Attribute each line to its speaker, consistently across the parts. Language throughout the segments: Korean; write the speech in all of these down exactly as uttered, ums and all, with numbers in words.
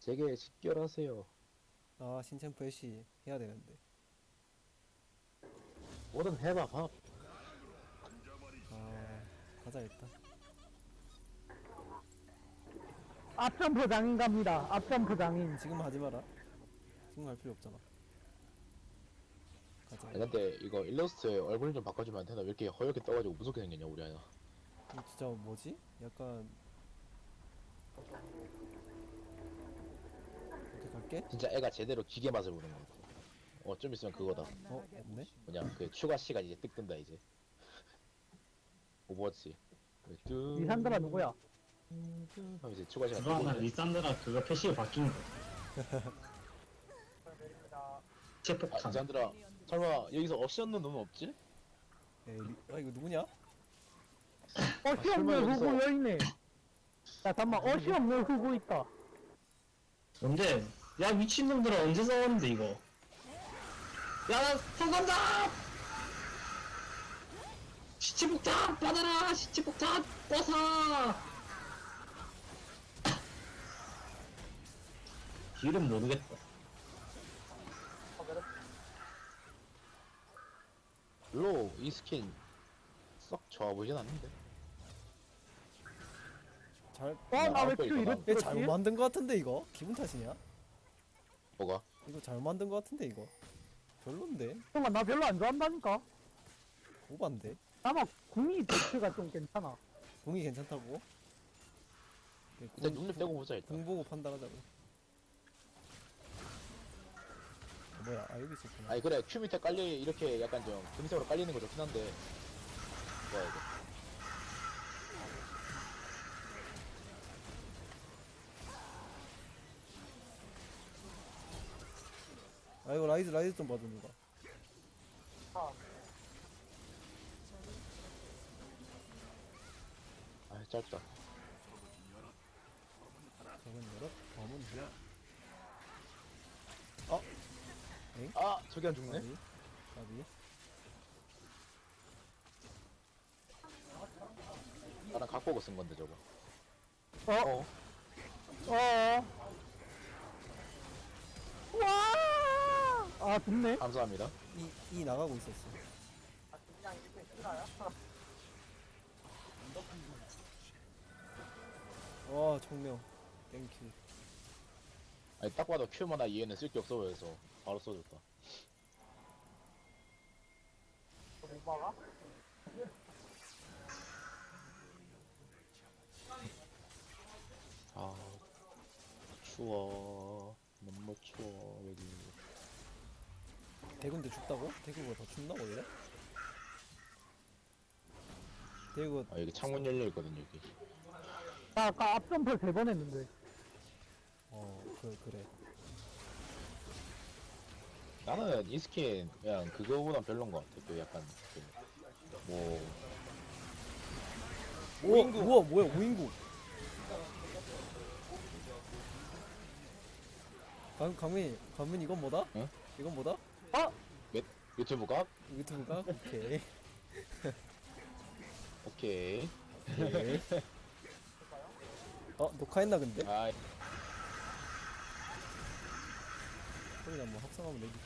Speaker 1: 제게 직결하세요.
Speaker 2: 아 신챔프 애쉬 해야 되는데.
Speaker 1: 뭐든 해봐 밥.
Speaker 2: 아 가자 일단.
Speaker 3: 앞점프 장인 갑니다. 앞점프 장인.
Speaker 2: 지금 하지 마라. 지금 할 필요 없잖아. 가자.
Speaker 1: 아니, 근데 이거 일러스트에 얼굴 좀 바꿔주면 안 되나? 왜 이렇게 허옇게 떠가지고 무섭게 생겼냐 우리 아이나.
Speaker 2: 이거 진짜 뭐지? 약간 이렇게 갈게.
Speaker 1: 진짜 애가 제대로 기계 맛을 보는 것 같아. 어, 좀 있으면 그거다.
Speaker 2: 어 없네.
Speaker 1: 뭐냐 그 추가 시간 이제 뜩 뜬다 이제. 오버워치. 그 뚜-
Speaker 3: 리산드라 누구야?
Speaker 1: 하면 이제 추가 시간
Speaker 4: 그거
Speaker 1: 뜨고
Speaker 4: 하나
Speaker 1: 있네.
Speaker 4: 리산드라 그거 패시브 바뀐 거.
Speaker 1: 아,
Speaker 4: 체폭탄.
Speaker 1: 리산드라 설마 여기서 없이 없는 놈은 없지?
Speaker 2: 에이 리... 아 이거 누구냐?
Speaker 3: 어시
Speaker 1: 설마
Speaker 3: 없는
Speaker 1: 여기서-
Speaker 3: 후구 여있네. 야 잠깐만 어시 없는 후구 있다.
Speaker 4: 근데 야 미친놈들아 언제 싸웠는데 이거. 야 성간다. 시체폭탄 받아라. 시체폭탄 뻗어. 길은 모르겠다.
Speaker 1: 별로 이 스킨 썩 좋아 보이진 않는데.
Speaker 2: 잘.
Speaker 3: 어나왜
Speaker 1: 아빠
Speaker 3: 큐
Speaker 1: 이거
Speaker 3: 이렇게
Speaker 1: 나왔다.
Speaker 2: 얘 잘못 만든 거 같은데 이거? 기분 탓이냐?
Speaker 1: 뭐가?
Speaker 2: 이거 잘못 만든 거 같은데 이거? 별론데?
Speaker 3: 잠깐만 나 별로 안 좋아한다니까.
Speaker 2: 오반데?
Speaker 3: 아마 궁이 자체가 좀 괜찮아.
Speaker 2: 공이 괜찮다고? 네,
Speaker 1: 일단
Speaker 2: 공,
Speaker 1: 눈립 떼고 보자 일단.
Speaker 2: 공 보고 판단하자고. 어, 뭐야? 아 여기 있었구나.
Speaker 1: 아니 그래 큐 밑에 깔리 이렇게 약간 좀 금색으로 깔리는 거 좋긴 한데. 뭐야 이거?
Speaker 2: 아 이거 라이즈 라이즈 좀 봐줘 누가.
Speaker 1: 아 짧다.
Speaker 2: 저건 열어? 검은 뭐야?
Speaker 1: 아 저기 안 죽네?
Speaker 2: 나비? 나비?
Speaker 1: 나랑 갖고 오고 쓴 건데 저거.
Speaker 3: 어?
Speaker 1: 어?
Speaker 3: 어. 와. 아 좋네.
Speaker 1: 감사합니다.
Speaker 2: 이, 이 나가고 있었어. 와 청명 땡큐.
Speaker 1: 아니 딱 봐도 큐마나 이해는 쓸 게 없어 보여서 바로 써줬다. 아 추워. 너무 추워 여기.
Speaker 2: 대구인데 춥다고? 대구가 더 춥나 원래? 대구
Speaker 1: 아 여기 창문 열려 있거든 여기.
Speaker 3: 나 아까 앞점프 세 번 했는데.
Speaker 2: 어그 그래.
Speaker 1: 나는 이 스킨 그냥 그거보단 별론 것 같아. 그 약간 그뭐
Speaker 2: 오 우와 뭐야 오인국. 강 강민 강민 이건 뭐다?
Speaker 1: 응?
Speaker 2: 이건 뭐다?
Speaker 3: 어?
Speaker 1: 유튜브가
Speaker 2: 유튜브가 오케이.
Speaker 1: 오케이.
Speaker 2: 오케이. 어 녹화했나 근데?
Speaker 1: 아
Speaker 2: 소리 한번 합성하면 되지.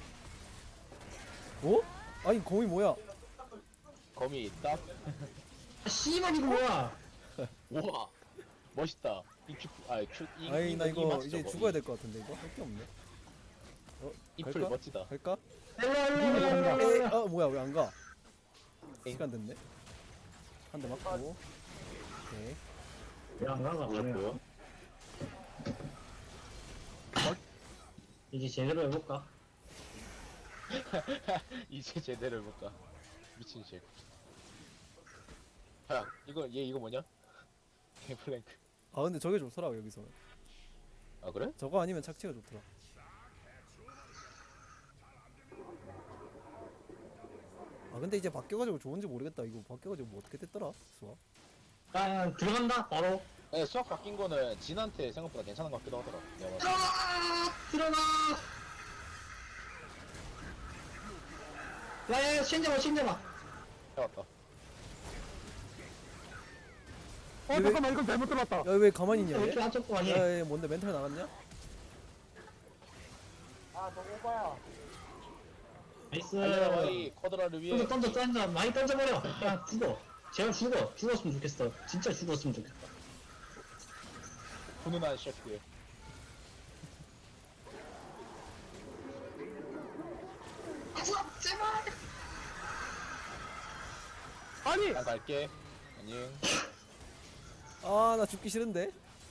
Speaker 2: 어? 아니 거미 뭐야?
Speaker 1: 거미 있다.
Speaker 4: 아, 씨발 이거 뭐야?
Speaker 1: 우와 멋있다. 이 큐, 아 큐, 이,
Speaker 2: 아니
Speaker 1: 이,
Speaker 2: 나
Speaker 1: 이
Speaker 2: 이거
Speaker 1: 맛
Speaker 2: 이제
Speaker 1: 저거.
Speaker 2: 죽어야
Speaker 1: 이-
Speaker 2: 될 것 같은데 이거 할 게 없네. 어
Speaker 1: 이 풀
Speaker 2: 갈까?
Speaker 1: 멋지다.
Speaker 2: 갈까?
Speaker 4: 일로 일로
Speaker 3: 님이
Speaker 4: 일로
Speaker 3: 간다.
Speaker 4: 일로
Speaker 2: 에이,
Speaker 4: 일로.
Speaker 2: 아 뭐야 왜 안 가?
Speaker 1: 에이.
Speaker 2: 시간 됐네. 한 대 맞고. 오케이.
Speaker 4: 왜안 가가?
Speaker 1: 뭐였고요?
Speaker 4: 이제 제대로 해볼까?
Speaker 1: 이제 제대로 해볼까? 미친 식. 야 이거 얘 이거 뭐냐? 개플랭크.
Speaker 2: 아 근데 저게 좋더라 여기서는.
Speaker 1: 아 그래?
Speaker 2: 저거 아니면 착취가 좋더라. 아 근데 이제 바뀌어가지고 좋은지 모르겠다. 이거 바뀌어가지고 뭐 어떻게 됐더라? 수아.
Speaker 4: 아 들어간다 바로.
Speaker 1: 네, 수학 바뀐 거는 진한테 생각보다 괜찮은 것 같기도 하더라. 내가 봤을 때.
Speaker 4: 들어가 들어가. 야야 신자마 신자마.
Speaker 1: 해왔다.
Speaker 3: 어 잠깐만 이건 잘못 들었다.
Speaker 2: 야 왜 가만히 있냐
Speaker 4: 왜
Speaker 2: 얘?
Speaker 4: 이렇게 한쪽 거 아니야?
Speaker 2: 야얘 뭔데 멘탈 나갔냐?
Speaker 4: 나이스.
Speaker 1: 달려라 마이 쿼드라를 위해.
Speaker 4: 던져 던져 던져 많이 던져버려. 그냥 죽어. 제발 죽어. 죽었으면 좋겠어. 진짜 죽었으면 좋겠다.
Speaker 1: 훈훈한 셰프.
Speaker 4: 아, 제발.
Speaker 3: 아니
Speaker 1: 난 갈게. 안녕.
Speaker 2: 아 나 죽기 싫은데.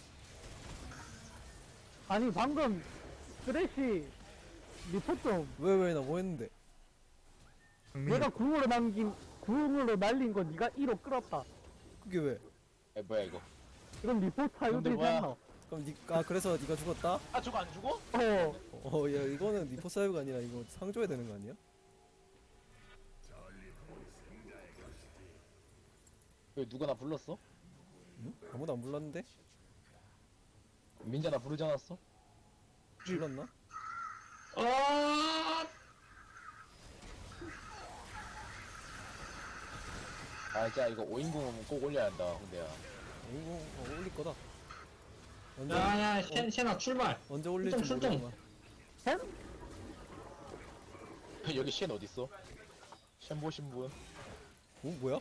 Speaker 3: 아니 방금 쓰레쉬 리포 좀
Speaker 2: 왜 왜 나 뭐 했는데?
Speaker 3: 내가 궁으로 남긴 궁으로 날린 거 네가 이로 끌었다.
Speaker 2: 그게 왜?
Speaker 1: 에 뭐야 이거?
Speaker 3: 이건 리포
Speaker 1: 근데
Speaker 3: 사유되지
Speaker 1: 뭐야?
Speaker 3: 않나?
Speaker 2: 그럼 니, 아 그래서 네가 죽었다?
Speaker 1: 아 저거 안 죽어?
Speaker 3: 어
Speaker 2: 어 야 이거는 니포 사유가 아니라 이거 상 줘야 되는 거 아니야?
Speaker 1: 왜 누가 나 불렀어?
Speaker 2: 응? 아무도 안 불렀는데?
Speaker 1: 민자 나 부르지 않았어?
Speaker 2: 불렀나?
Speaker 4: 아.
Speaker 1: 아 진짜 이거 오인궁은 꼭 올려야 한다 홍대야.
Speaker 2: 이거 어, 올릴 거다. 언제
Speaker 4: 야야 쉔 쉔아 출발.
Speaker 2: 언제 올릴지
Speaker 4: 출동, 출동.
Speaker 2: 모르겠지만.
Speaker 1: 여기 쉔 어딨어? 쉔 보신 분?
Speaker 2: 오 뭐야?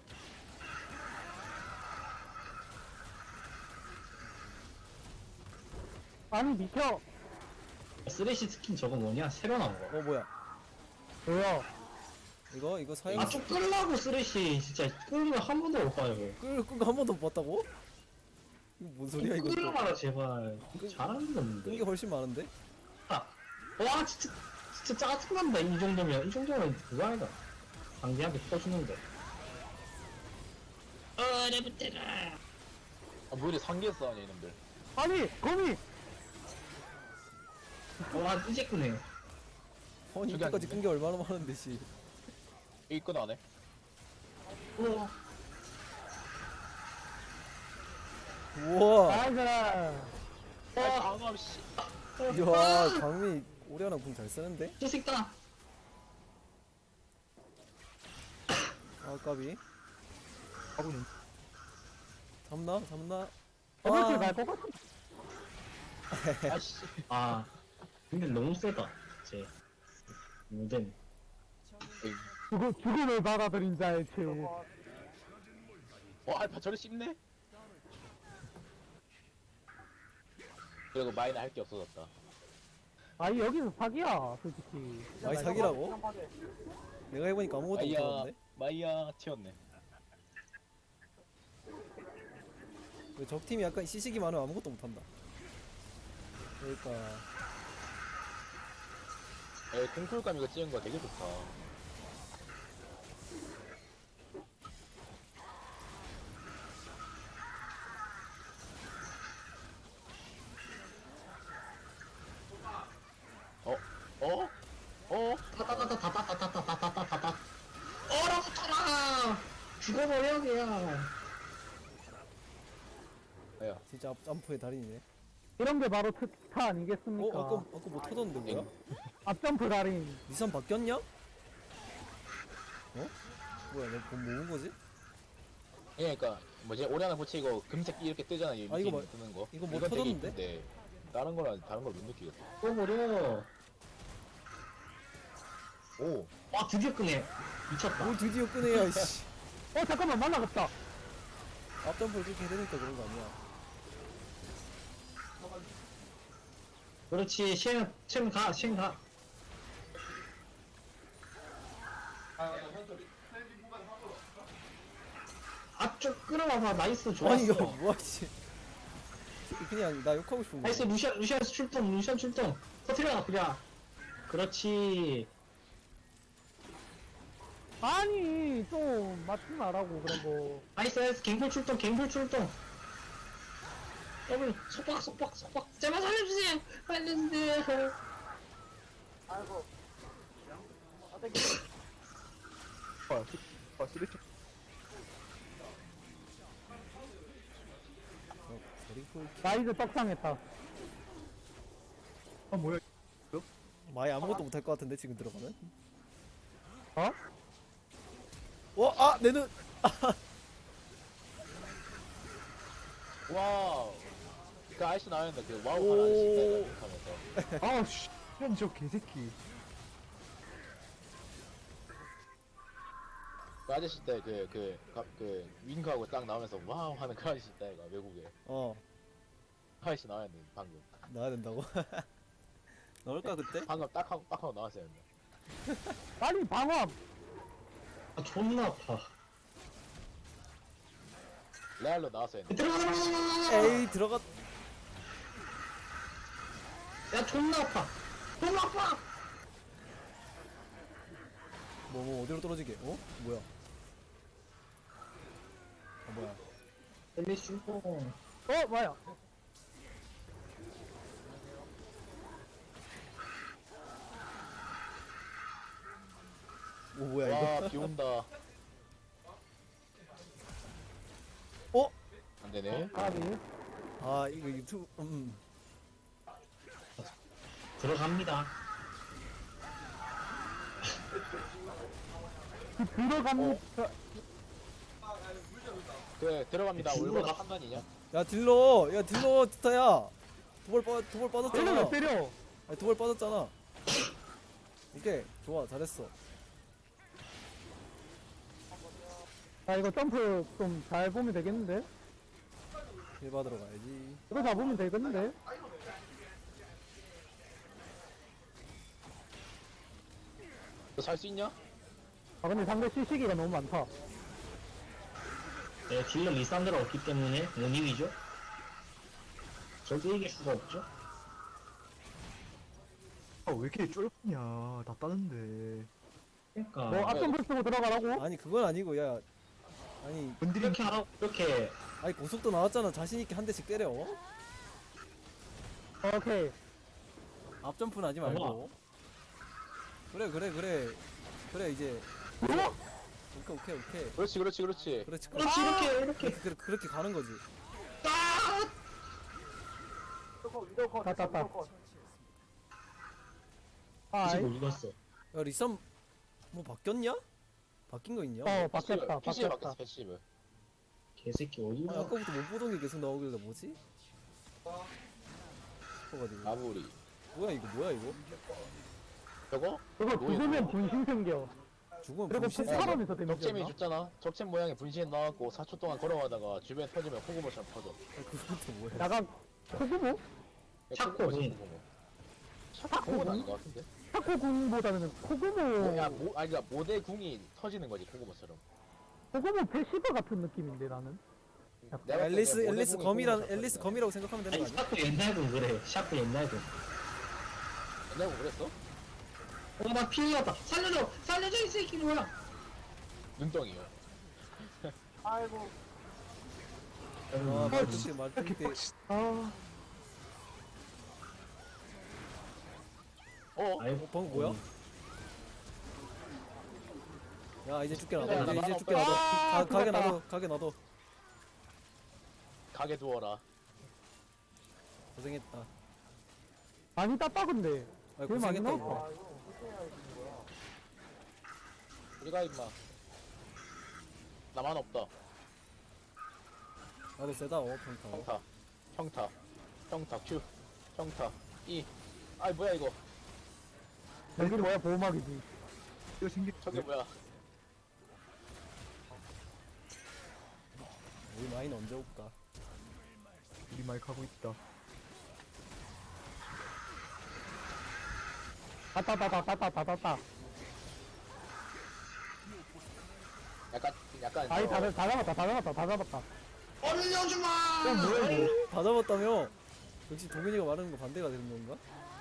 Speaker 3: 아니 비켜.
Speaker 4: 쓰레쉬 스킨 저거 뭐냐? 새로 나온 거.
Speaker 2: 어 뭐야?
Speaker 3: 뭐야?
Speaker 2: 이거 이거 사용
Speaker 4: 아좀 끌라고 쓰레쉬 진짜 끌면 한 번도 못 봐요.
Speaker 2: 끌끈거한 번도 못 봤다고? 이거 뭔 소리야 이거?
Speaker 4: 끌어봐라 제발. 잘하는 게 없는데.
Speaker 2: 끈게 훨씬 많은데?
Speaker 4: 아, 와 진짜 진짜 짜증난다 이 정도면 이 정도면 그거 아니다. 상대한테 터주는데. 어레부테라.
Speaker 1: 아 뭐래 상계했어 아니 이놈들.
Speaker 3: 아니 거미.
Speaker 4: 와 이제 끄네.
Speaker 2: 아니
Speaker 1: 저기
Speaker 2: 이때까지
Speaker 1: 아닌데?
Speaker 2: 끈게 얼마나 많은데 씨.
Speaker 1: 여기 끈 안해?
Speaker 4: 우와.
Speaker 2: 우와.
Speaker 3: 아이고.
Speaker 1: 아 방어 씨.
Speaker 2: 이야 강미 오리아나 궁 잘 쓰는데?
Speaker 4: 찌식다.
Speaker 2: 아 까비. 잡나? 잡나?
Speaker 3: 어떻게
Speaker 2: 아,
Speaker 3: 갈것 같아?
Speaker 1: 아씨.
Speaker 4: 아 근데 너무 세다. 제 무덴.
Speaker 3: 죽음 죽음을 받아들인 자의 죄.
Speaker 1: 와 알파 저리 씹네? 그리고 마이는 할 게 없어졌다.
Speaker 3: 아니 여기서 사기야 솔직히.
Speaker 2: 많이 사기라고? 내가 해보니까 아무것도
Speaker 1: 마이야
Speaker 2: 못하던데?
Speaker 1: 마이야 튀었네.
Speaker 2: 적팀이 약간 시식이 많으면 아무것도 못한다. 그러니까
Speaker 1: 에 공쿨감 이거 찍은 거 되게 좋다. 어? 어? 어?
Speaker 4: 타타타타타타타타타타타타. 얼어붙어라. 죽어버려 그냥.
Speaker 1: 야
Speaker 2: 진짜 앞 점프의 달인이네.
Speaker 3: 이런 게 바로 특타
Speaker 2: 어?
Speaker 3: 아니겠습니까?
Speaker 2: 아까 아까 뭐 터졌는데 뭐야?
Speaker 3: 앞점프 달인.
Speaker 2: 니산 바뀌었냐? 어? 뭐야 너 뭐 모은 거지?
Speaker 1: 예, 그러니까 뭐지 오리아나 고치 이거 금색 이렇게 뜨잖아 이
Speaker 2: 아, 이거
Speaker 1: 밑에
Speaker 2: 뭐-
Speaker 1: 뜨는 거.
Speaker 2: 이거 뭐
Speaker 1: 이건 되게
Speaker 2: 터졌는데?
Speaker 1: 이쁜데 다른 거랑 다른 걸 못 느끼겠어.
Speaker 4: 죽어버려.
Speaker 1: 오,
Speaker 4: 와 드디어 끄네. 미쳤다.
Speaker 2: 뭘 드디어 끄네야 씨.
Speaker 3: 어 잠깐만 날라갔다.
Speaker 2: 앞 점프를 그렇게 해대니까 그런 거 아니야?
Speaker 4: 그렇지 쉔, 쉔 가, 쉔 가. 아좀 끌어와봐. 나이스 좋았어.
Speaker 2: 아니 이거 뭐야 씨. 그냥 나 욕하고 싶은 거야.
Speaker 4: 나이스 루시안 루시안 출동 루시안 출동. 터트려 그냥. 그렇지.
Speaker 3: 아니 좀 맞지 말라고 그런 거.
Speaker 4: 나이스 나이스 갱플 출동 갱플 출동. 더블 속박 속박 속박. 제발 살려주세요. 살려주세요.
Speaker 2: 어, 저리고
Speaker 3: 나 이제 떡상했다.
Speaker 2: 마이 아무것도 못할 것 같은데 지금 들어가면?
Speaker 3: 어?
Speaker 2: 어? 아! 내 눈!
Speaker 1: 와우. 그 아저씨 나왔는데 그 와우
Speaker 2: 오.
Speaker 1: 하는 아저씨 하면서.
Speaker 3: 아우 씨. 저 개새끼.
Speaker 1: 그 아저씨 때 그 그 그 윙크하고 딱 나오면서 와우 하는 그 아저씨 때 이거 외국에
Speaker 2: 어
Speaker 1: 아저씨 나와야 돼 방금.
Speaker 2: 나와야 된다고? 나올까 그때?
Speaker 1: 방금 딱 하고 딱 하고 나왔어야 했네.
Speaker 3: 빨리 방어.
Speaker 4: 아 존나 아파.
Speaker 1: 레알로 나왔어야 했네.
Speaker 4: 들어가 들어가 들어가.
Speaker 2: 에이 들어갔
Speaker 4: 야 존나 아파. 존나 아파.
Speaker 2: 뭐, 뭐 어디로 떨어지게? 어? 뭐야? 아 뭐야?
Speaker 4: 엘리 출동.
Speaker 3: 어 뭐야?
Speaker 2: 오 뭐야 이거?
Speaker 1: 와, 비 온다.
Speaker 2: 어?
Speaker 1: 안 되네.
Speaker 3: 까비.
Speaker 2: 아 이거 유튜브 음
Speaker 4: 들어갑니다.
Speaker 3: 들어가면
Speaker 1: 그 들어갑니다.
Speaker 4: 죽으러
Speaker 1: 올바른
Speaker 4: 가.
Speaker 1: 판단이냐?
Speaker 2: 야 딜러 야 딜러 스타야 두벌 빠 두벌 빠졌잖아.
Speaker 3: 때려 때려.
Speaker 2: 아니 두벌 빠졌잖아. 오케이 좋아 잘했어.
Speaker 3: 아 이거 점프 좀 잘 보면 되겠는데?
Speaker 2: 힐 받으러 가야지.
Speaker 3: 이거 잡으면 되겠는데?
Speaker 1: 너 살 수 있냐?
Speaker 3: 아 근데 상대 시시기가 너무 많다.
Speaker 4: 네, 딜러 리산드가 없기 때문에 못 이기죠. 절대 이길 수가 없죠.
Speaker 5: 아, 왜 이렇게 쫄냐? 다 따는데.
Speaker 4: 그러니까
Speaker 3: 뭐 앞점프 쓰고 들어가라고?
Speaker 2: 아니 그건 아니고 야 아니
Speaker 5: 건드린
Speaker 4: 이렇게 하라고 이렇게
Speaker 2: 아니 고속도 나왔잖아. 자신 있게 한 대씩 때려.
Speaker 3: 오케이.
Speaker 2: 앞점프는 하지 말고. 그래 그래 그래 그래 이제
Speaker 3: 어?
Speaker 2: 오케이 오케이 오케이
Speaker 1: 그렇지, 그렇지, 그렇지.
Speaker 2: 그렇지
Speaker 4: 그렇지 이렇게 이렇게
Speaker 2: 그렇게 그렇게 가는 거지.
Speaker 3: 다 땄다. 아,
Speaker 4: 지금 이겼어.
Speaker 2: 야 리썸 뭐 바뀌었냐? 바뀐 거 있냐?
Speaker 3: 어 바뀌었다
Speaker 1: 패시브
Speaker 3: 바뀌었다.
Speaker 1: 바뀌었어, 패시브.
Speaker 4: 개새끼
Speaker 2: 아니,
Speaker 4: 어디가?
Speaker 2: 아까부터 못 보던 게 계속 나오길래 뭐지? 싶어가지고
Speaker 1: 마무리.
Speaker 2: 뭐야 이거 뭐야 이거?
Speaker 1: 저거?
Speaker 3: 그거
Speaker 1: 뭐야,
Speaker 3: 죽으면
Speaker 1: 뭐야?
Speaker 3: 분신 생겨.
Speaker 2: 죽으면
Speaker 3: 그리고
Speaker 2: 분신
Speaker 3: 그 사람에서
Speaker 1: 적잼이
Speaker 3: 데미지였나?
Speaker 1: 줬잖아. 적잼 모양의 분신 나왔고 사 초 동안 걸어가다가 주변 터지면 코고모처럼 터져.
Speaker 2: 그건 또 뭐야?
Speaker 3: 약간 코구모?
Speaker 4: 샤코 공.
Speaker 1: 샤코는 아닌 것 같은데.
Speaker 3: 샤코궁보다는 코구모.
Speaker 1: 야, 모, 아니, 그러니까 모대 궁이 터지는 거지 코고모처럼.
Speaker 3: 코구모 패시브 같은 느낌인데 나는.
Speaker 1: 내가 봤을 때
Speaker 2: 앨리스
Speaker 1: 모대
Speaker 2: 앨리스
Speaker 1: 궁이
Speaker 2: 검이라
Speaker 1: 코고모처럼
Speaker 2: 앨리스
Speaker 1: 터지네.
Speaker 2: 검이라고 생각하면 되는
Speaker 4: 아니
Speaker 2: 거 아니야?
Speaker 4: 샤크 옛날 군 그래. 샤크 옛날 군.
Speaker 1: 내가 뭐 그랬어?
Speaker 4: 어나 피해갔다. 살려줘 살려줘 이 새끼 뭐야?
Speaker 1: 눈덩이요.
Speaker 2: 아
Speaker 4: 음,
Speaker 2: 말뚝대 말뚝대
Speaker 3: 아
Speaker 1: 어?
Speaker 4: 아이고
Speaker 2: 어 방금 뭐야? 야 이제 죽게 놔둬
Speaker 1: 야,
Speaker 2: 이제,
Speaker 1: 나
Speaker 2: 이제
Speaker 1: 나
Speaker 2: 죽게
Speaker 1: 나
Speaker 2: 놔둬
Speaker 3: 아,
Speaker 2: 가, 가게
Speaker 3: 죽었다.
Speaker 2: 놔둬 가게 놔둬
Speaker 1: 가게 두어라.
Speaker 2: 고생했다.
Speaker 3: 많이 땄다 근데.
Speaker 2: 아
Speaker 3: 제일 많이
Speaker 2: 고생했다
Speaker 3: 나왔다.
Speaker 2: 이거.
Speaker 1: 우리가 임마. 나만 없다.
Speaker 2: 나도 세다 어 평타.
Speaker 1: 평타. 평타. 평타 Q. 평타 E. 아이 뭐야 이거.
Speaker 3: 여기 뭐야 보호막이지.
Speaker 5: 이거 생기.
Speaker 1: 저게 뭐야.
Speaker 2: 우리 마인 언제 올까?
Speaker 5: 우리 마이크 하고 있다.
Speaker 3: 따따따따따따따따.
Speaker 1: 약간 약간
Speaker 3: 아이
Speaker 1: 저-
Speaker 3: 다, 다 잡았다 다 잡았다 다 잡았다.
Speaker 4: 얼려주마.
Speaker 3: 야 뭐야 이거?
Speaker 2: 다 잡았다며? 역시 도균이가 말하는 거 반대가 되는 건가?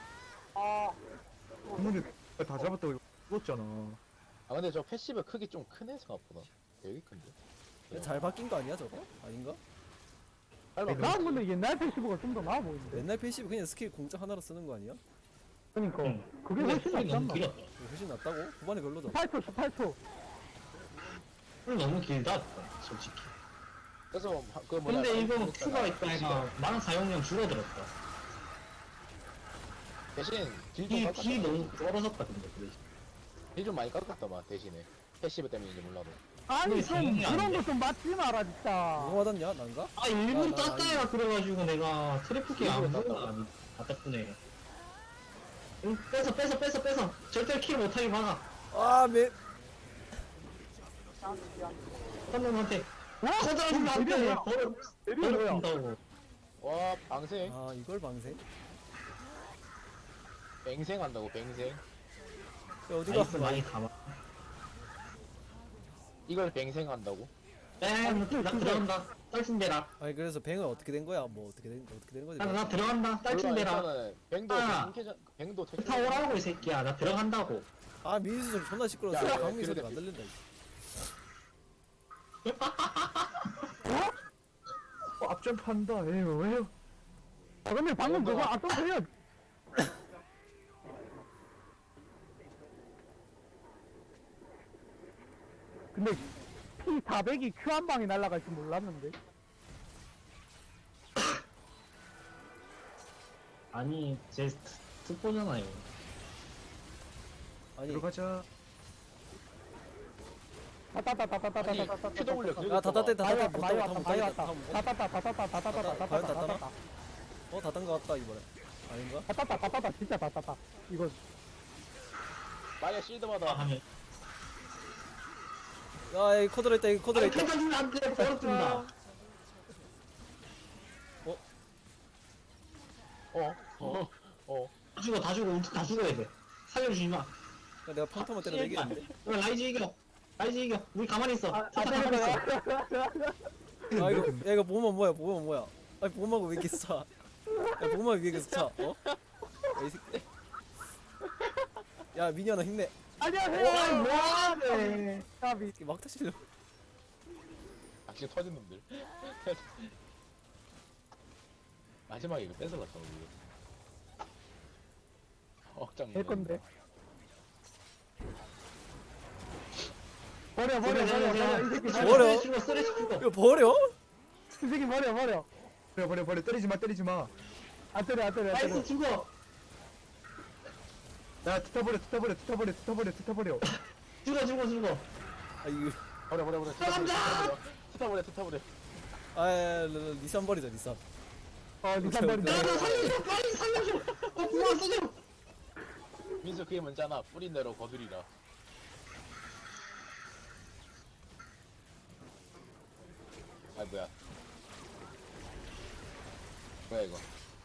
Speaker 5: 근데 다 잡았다고 이거 죽었잖아.
Speaker 1: 아 근데 저 패시브 크기 좀 크네 생각보다. 되게 큰데.
Speaker 2: 근데 잘 바뀐 거 아니야 저거? 아닌가?
Speaker 1: 빨리
Speaker 3: 난 근데 옛날 패시브가 좀 더 나아 보이는데.
Speaker 2: 옛날 패시브 그냥 스킬 공짜 하나로 쓰는 거 아니야?
Speaker 3: 그러니까
Speaker 4: 응.
Speaker 3: 그게
Speaker 4: 근데
Speaker 3: 훨씬
Speaker 4: 쿨이
Speaker 3: 낫지
Speaker 4: 너무
Speaker 3: 않나?
Speaker 4: 길었다.
Speaker 2: 이거 훨씬 낫다고? 후반에 별로잖아.
Speaker 3: 십팔 초 십팔 초.
Speaker 4: 쿨 너무 길다 솔직히.
Speaker 1: 그래서 하- 그 뭐냐.
Speaker 4: 근데 이거
Speaker 1: 그랬잖아.
Speaker 4: 큐가 있다니까 나랑 사용량 줄어들었다.
Speaker 1: 대신 딜좀
Speaker 4: 딜,
Speaker 1: 깎았다.
Speaker 4: 딜 너무 떨어졌다 근데 그 대신.
Speaker 1: 딜좀 많이 깎았다만 대신에. 패시브 때문인지 몰라도.
Speaker 3: 아니
Speaker 4: 근데
Speaker 3: 좀
Speaker 4: 정리 안
Speaker 3: 그런
Speaker 4: 돼.
Speaker 3: 거 좀 맞지 마라 진짜.
Speaker 2: 누가 맞았냐? 난가?
Speaker 4: 아 일본
Speaker 2: 나- 나
Speaker 4: 땄다야 그래가지고 내가 트래프기 안
Speaker 1: 일부러
Speaker 4: 보고
Speaker 1: 땄다고?
Speaker 4: 아니 아 덕분에 응, 뺏어 뺏어 뺏어 뺏어 절대 킬 못하게 막아.
Speaker 2: 아 매.
Speaker 4: 선생님한테 커다란 안돼. 버릇 버릇 준다고.
Speaker 1: 와 방생
Speaker 2: 아 이걸 방생?
Speaker 1: 뱅생 한다고 뱅생
Speaker 2: 야, 어디가?
Speaker 4: 나이스 많이 담아.
Speaker 1: 이걸 뱅생 한다고
Speaker 4: 뺑, 나 들어간다. 딸친대라.
Speaker 2: 아니 그래서 뱅은 어떻게 된 거야? 뭐 어떻게 된 어떻게 된 거지?
Speaker 4: 나, 나 들어간다. 딸친대라.
Speaker 1: 일단은 뱅도
Speaker 4: 아.
Speaker 1: 뱅캐자 뱅도 퇴출
Speaker 4: 다 오라고 이 새끼야. 나 들어간다고.
Speaker 2: 아 민수 소리 존나 시끄러워.
Speaker 1: 야, 야,
Speaker 2: 강민
Speaker 1: 그래,
Speaker 2: 소리가 안 들린다.
Speaker 5: 어, 앞점프 한다. 에휴, 에휴.
Speaker 3: 아 근데 방금 그거 앞선 그려. 근데 피 사백이 큐 한 방에 날아갈 줄 몰랐는데.
Speaker 4: 아니, 제 특보잖아요.
Speaker 2: 아니
Speaker 5: 들어가자.
Speaker 3: 타타타타타타타타타타타.
Speaker 1: 큐 더블유
Speaker 2: 야
Speaker 1: 그거
Speaker 2: 다다 때
Speaker 3: 많이
Speaker 2: 다다 때
Speaker 3: 왔다
Speaker 2: 못
Speaker 3: 많이
Speaker 2: 따고
Speaker 3: 왔다
Speaker 2: 못
Speaker 3: 많이
Speaker 2: 따고
Speaker 3: 왔다 타타타 타타타 타타타 타타타
Speaker 2: 과연 다
Speaker 3: 타타타
Speaker 2: 어 다 딴 거 같다 이번에. 아닌가?
Speaker 3: 타타타 타타타 진짜 타타타. 이거
Speaker 1: 마야 실드마다
Speaker 4: 하면.
Speaker 2: 야 이 코드라 있다 이 코드라
Speaker 4: 아니,
Speaker 2: 있다.
Speaker 4: 펜타주면 안 돼. 버릇 준다.
Speaker 1: 어어어 어.
Speaker 4: 다 죽어, 다 죽어. 우리 다 죽어야 돼. 살려주지 마.
Speaker 2: 야, 내가 평타만 때려도 이기는데.
Speaker 4: 그럼 라이즈 이겨. 라이즈 이겨. 우리 가만히 있어.
Speaker 3: 아
Speaker 4: 포탑 가만히 있어.
Speaker 2: 아 이거 야 이거 보면 뭐야 보면 뭐야. 아니 보면하고 왜 이렇게 차? 야 보면 왜 이렇게 차? 어? 야, 이 새끼. 야 미니언아 힘내.
Speaker 3: 안녕하세요. 뭐하네. 까비.
Speaker 2: 이렇게 막 타시려.
Speaker 1: 악시 터진 놈들 마지막에 이거 뺏어갔다 우리 억장
Speaker 3: 될 건데. 버려 버려 버려 버려 이 새끼 버려.
Speaker 2: 버려?
Speaker 4: 쓰레기 죽어, 쓰레기 죽어.
Speaker 2: 이거 버려?
Speaker 3: 이 새끼 버려 버려.
Speaker 5: 버려, 버려, 버려. 때리지 마, 때리지 마.
Speaker 3: 안 때려 안 때려 안
Speaker 4: 라이즈
Speaker 3: 때려.
Speaker 4: 죽어.
Speaker 5: 야, 투타버려, 투타버려, 투타버려, 투타버려, 투타버려.
Speaker 4: 죽어, 죽어, 죽어.
Speaker 2: 아 이거
Speaker 1: 버려 버려 버려
Speaker 4: 들어간다!
Speaker 1: 투타버려 투타버려
Speaker 2: 아 리산 버리자 리산.
Speaker 3: 어 니산 버리.
Speaker 4: 나, 나 살려줘. 빨리 살려줘. 어, 구만 써줘.
Speaker 1: 민수 그게 뭔잖아 뿌린 대로 거두리라 아 뭐야 뭐야 이거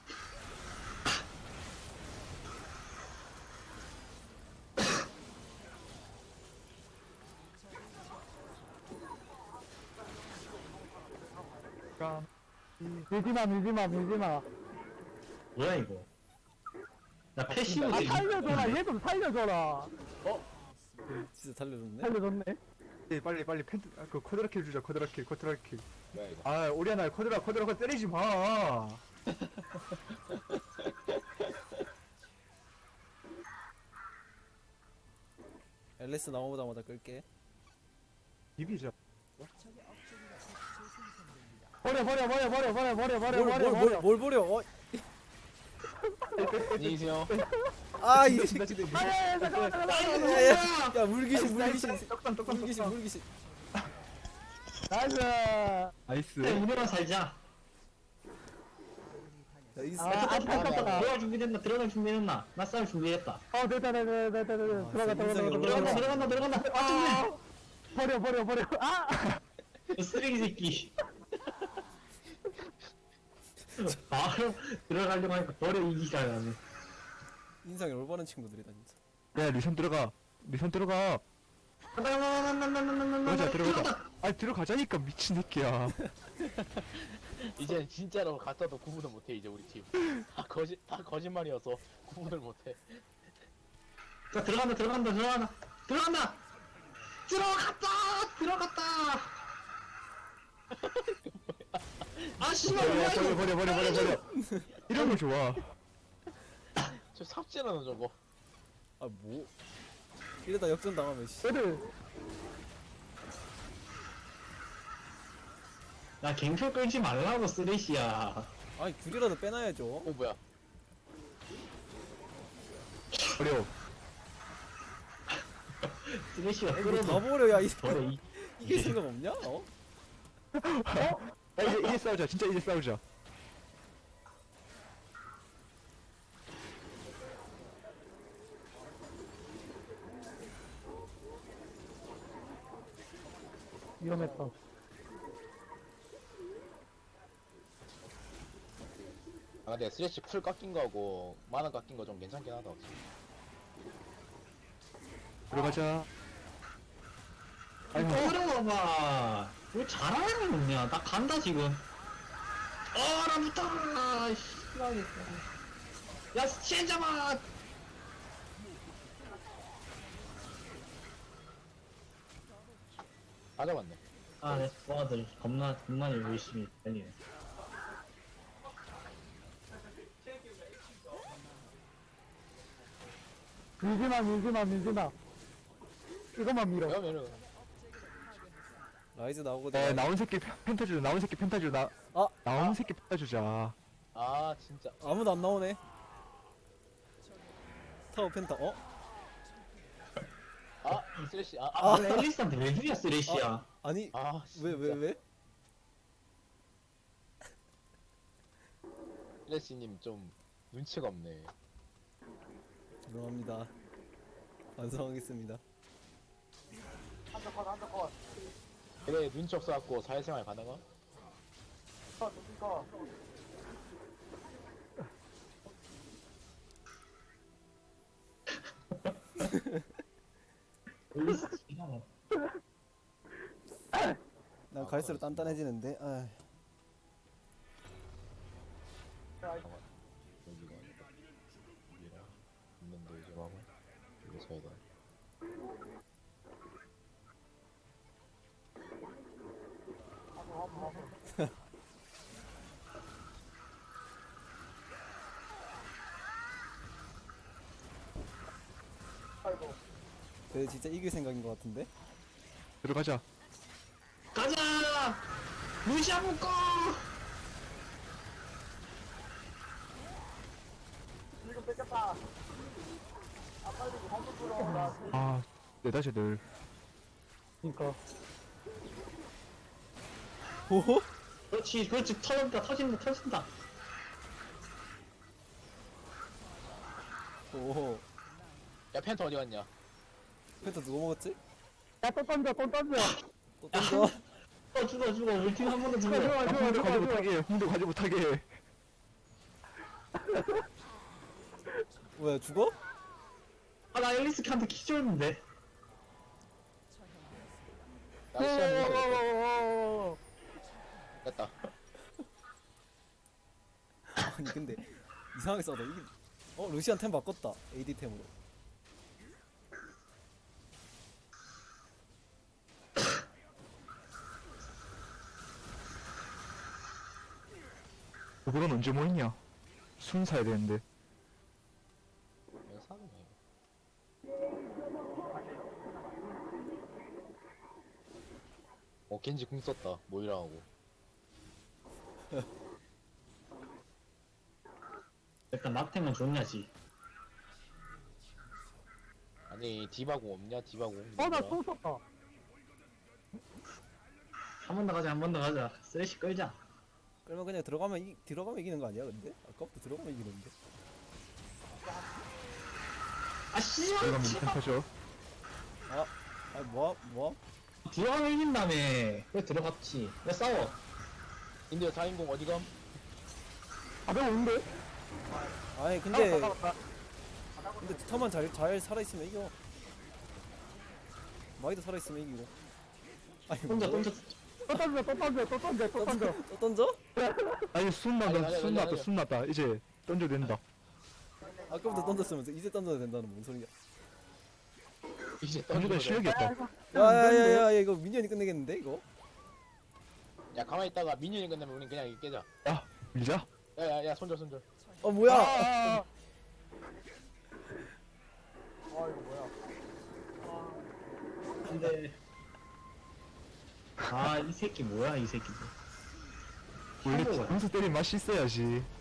Speaker 5: 까.
Speaker 3: 밀지마 밀지마 밀지마.
Speaker 4: 뭐야, 이거? 나 패시브
Speaker 3: 아
Speaker 4: 되게
Speaker 3: 살려줘라 얘 좀 살려줘라.
Speaker 2: 진짜 달려줬네.
Speaker 3: 살려줬네.
Speaker 5: 예, 빨리, 빨리 펜트, 아, 그 코드라킬 주자, 코드라킬, 코드라킬.
Speaker 1: 뭐야 이거
Speaker 5: 아, 오리아나, 코드라, 코드라, 코드라 때리지 마.
Speaker 2: 앨리스 나오자마자 끌게.
Speaker 5: 비비자.
Speaker 3: 버려 버려 버려 버려 버려 버려 버려 버려 버려.
Speaker 2: 뭘뭘 버려? 어?
Speaker 1: 안녕히 계세요
Speaker 2: 아이 새끼들.
Speaker 3: 아야 잠깐만 잠깐만.
Speaker 2: 야야 야 물귀신 물귀신
Speaker 5: 떡상, 떡상,
Speaker 2: 물귀신
Speaker 5: 떡상.
Speaker 2: 물귀신.
Speaker 3: 나이스.
Speaker 5: 나이스.
Speaker 4: 네, 우리만 살자.
Speaker 2: 야, 이
Speaker 3: 아
Speaker 2: 새끼.
Speaker 3: 안타깝다.
Speaker 4: 들어갈 준비됐나? 들어갈 준비됐나? 나 싸울 준비됐다.
Speaker 3: 어 됐다 됐다 됐다 됐다 됐다. 들어가 들어가
Speaker 2: 인생이
Speaker 3: 들어가
Speaker 4: 들어간다, 들어간다, 들어간다. 아,
Speaker 3: 아 버려 버려 버려. 아
Speaker 4: 저 쓰레기 새끼. 바로 들어가려고 하니까 버려 이기가 나네.
Speaker 2: 인상이 올바른 친구들이다 진짜.
Speaker 5: 야, 리선 들어가. 리선 들어가. 들어가자, 들어가자. 아, 들어가자니까, 미친 새끼야.
Speaker 1: 이제 진짜로 갔다도 구분을 못해 이제 우리 팀다 거짓 다 거짓말이어서 구분을 못해
Speaker 4: 자, 들어간다, 들어간다, 들어간다, 들어간다. 들어갔다, 들어갔다. 아 씨발
Speaker 5: 버려,
Speaker 4: 뭐야
Speaker 5: 버려,
Speaker 4: 이거?
Speaker 5: 버려, 버려, 버려, 버려. 이런 거 좋아.
Speaker 1: 저 삽질하는 저거
Speaker 2: 아 뭐? 이러다 역전 당하면 씨.
Speaker 3: 애들
Speaker 4: 나 갱표 끌지 말라고 쓰레시야.
Speaker 2: 아니 굴이라도 빼놔야죠.
Speaker 1: 어 뭐야
Speaker 5: 버려.
Speaker 4: 쓰레시가
Speaker 2: 이거 다
Speaker 4: 끌어도
Speaker 2: 버려 야 이,
Speaker 4: 버려 이.
Speaker 2: 이게 생각 없냐? 어?
Speaker 5: 야, 이제, 이제 싸우자. 진짜 이제 싸우자.
Speaker 3: 위험했다.
Speaker 1: 아 근데 쓰레쉬 풀 깎인 거하고 만화 깎인 거 좀 괜찮긴 하다.
Speaker 5: 들어가자. 아이고.
Speaker 4: 어려워봐. 왜 잘하는 거 없냐? 나 간다 지금. 어, 나 붙어. 씨발겠다. 야, 스첸 잡아.
Speaker 1: 다 잡았네.
Speaker 4: 아, 내 스쿼드들 겁나 겁나 열심히 달리네.
Speaker 3: 밀지마, 밀지마, 밀지마. 이것만 밀어.
Speaker 1: 그러면은
Speaker 2: 라이즈 나오거든.
Speaker 5: 에 나온 새끼 펜타 주자. 나온 새끼 펜타 주자. 나
Speaker 2: 아
Speaker 5: 나온 새끼 펜타 주자.
Speaker 1: 아 진짜
Speaker 2: 아무도 안 나오네. 타워 펜타. 어?
Speaker 1: 아 쓰레쉬
Speaker 4: 아,
Speaker 1: 아아
Speaker 4: 왜 앨리스한테 왜 주냐, 쓰레쉬야.
Speaker 2: 아니
Speaker 1: 아,
Speaker 2: 왜 왜 왜?
Speaker 1: 쓰레쉬님 좀 눈치가 없네.
Speaker 2: 죄송합니다. 반성하겠습니다.
Speaker 1: 그래 눈치 없어갖고 사회생활 가다가
Speaker 4: 앨리스 기가 막혀.
Speaker 2: 난 갈수록 단단해지는데. 아
Speaker 1: 여기가 여기랑 있는데 이제 하고 여기 서야 돼.
Speaker 2: 그래 진짜 이길 생각인 것 같은데.
Speaker 5: 들어가자.
Speaker 4: 가자! 루시아 묶어!
Speaker 5: 아, 내 다시들.
Speaker 3: 그니까.
Speaker 2: 오호?
Speaker 4: 그렇지, 그렇지. 터진다, 터진다, 터진다.
Speaker 2: 오호.
Speaker 1: 야 펜터 어디 갔냐?
Speaker 2: 펜타 누가 먹었지?
Speaker 3: 야, 또 던져, 또 던져.
Speaker 2: 또 던져.
Speaker 4: 어, 죽어, 죽어. 우리 팀 한 번 더 죽어.
Speaker 3: 좋아, 좋아,
Speaker 5: 아,
Speaker 3: 좋아,
Speaker 5: 홍대
Speaker 3: 좋아,
Speaker 5: 가지
Speaker 3: 좋아.
Speaker 5: 못하게. 홍대 가지 못하게.
Speaker 2: 뭐야 죽어?
Speaker 4: 아, 나 앨리스한테 키줬는데.
Speaker 1: 나 시간 못
Speaker 3: 오,
Speaker 1: 됐다.
Speaker 2: 아니 근데 이상하게 싸다. 이게 어 루시안 템 바꿨다. 에이디 템으로.
Speaker 5: 그건 언제 모였냐? 순 사야 되는데.
Speaker 1: 이거 사는 거야. 어 겐지 궁 썼다. 모이라하고.
Speaker 4: 일단 막템은 좋냐지.
Speaker 1: 아니 디바궁 없냐? 디바궁.
Speaker 3: 어, 나 또 썼다.
Speaker 4: 한 번 더 가자, 한 번 더 가자. 쓰레쉬 끌자.
Speaker 2: 그러면 그냥 들어가면 이 들어가면 이기는 거 아니야? 근데 아까부터 들어가면 이기는데.
Speaker 4: 아, 씨발!
Speaker 5: 들어가면 펜타 줘.
Speaker 2: 아, 아 뭐야 뭐야?
Speaker 4: 들어가면 이긴다며. 왜 들어갔지? 왜 싸워?
Speaker 1: 인디어 사 인공 어디감?
Speaker 3: 아, 내가 온데?
Speaker 2: 아니 근데 근데 두타만 잘 잘 살아 있으면 이겨. 마이도 살아 있으면 이기고. 아니
Speaker 4: 혼자,
Speaker 2: 뭐?
Speaker 4: 혼자.
Speaker 3: 또 던져, 또 던져, 또 던져, 또 던져.
Speaker 2: 또 던져?
Speaker 5: 아니, 순
Speaker 1: 아니,
Speaker 5: 났다.
Speaker 1: 아니,
Speaker 5: 순
Speaker 1: 아니,
Speaker 5: 났다.
Speaker 1: 아니.
Speaker 5: 순 났다. 이제 던져도 된다.
Speaker 2: 아까부터 던졌으면서 이제 던져야 된다는 뭔 소리야?
Speaker 1: 이제
Speaker 5: 던져도
Speaker 1: 던지면
Speaker 5: 실력이 없다.
Speaker 2: 야야야야 이거 미니언이 끝내겠는데 이거?
Speaker 1: 돼. 야 가만히 있다가 미니언이 끝나면 우린 그냥 이거 깨자.
Speaker 5: 야, 밀자.
Speaker 1: 야야야 손절 손절.
Speaker 2: 어 뭐야?
Speaker 3: 아,
Speaker 4: 근데. 아, 이 새끼 뭐야, 이 새끼.
Speaker 5: 원래
Speaker 4: 한국어.
Speaker 5: 점수 때린 맛이 있어야지.